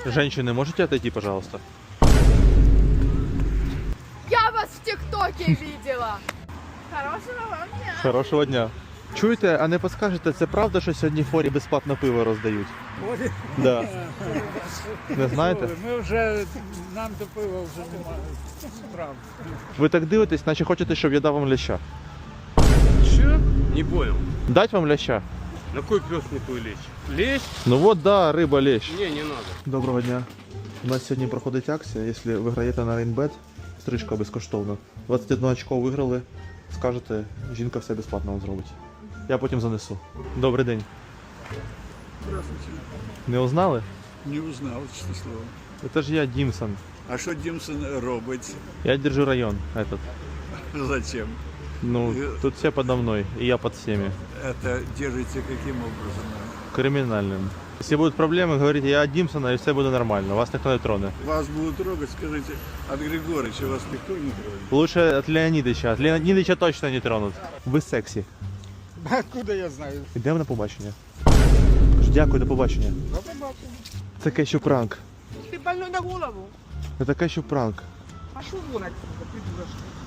Женщины, можете отойти, пожалуйста? Я вас в ТикТоке видела. Хорошего вам дня. Хорошого дня. Чуєте, а не підскажете, це правда, що сьогодні в форі безплатно пиво роздають? Да. Не знаєте? Ми вже, нам до пива вже немає справ. Ви так дивитесь, наче хочете, щоб я дав вам ляща. Що? Не понял. Дать вам ляща? На кой пес не твой лечь? Лечь? Ну вот, да, риба лещ. Не, не надо. Доброго дня. У нас сьогодні проходить акція, якщо виграєте на Рейнбет, стрижка безкоштовна. 21 очко виграли, скажете, жінка все безплатно вам зробить. Я потім занесу. Добрий день. Здравствуйте. Не узнали? Не узнал, честное слово. Це ж я Дімсон. А что Димсон робить? Я держу район этот. Зачем? Ну, тут все подо мной, и я под всеми. Это держите каким образом? Криминальным. Если будут проблемы, говорите, я от Димсона, и все будет нормально. Вас никто не троне. Вас будут трогать, скажите, от Григорьевича вас никто не тронет. Лучше от Леонидовича. От Леонидовича точно не тронут. Ви сексі. Откуда я знаю? Йдемо на побачення. Кажу, дякую, до побачення. До побачення. Це кещу пранк. Ти больной на голову. Це кещу пранк. Пошел вон отсюда, придурочка.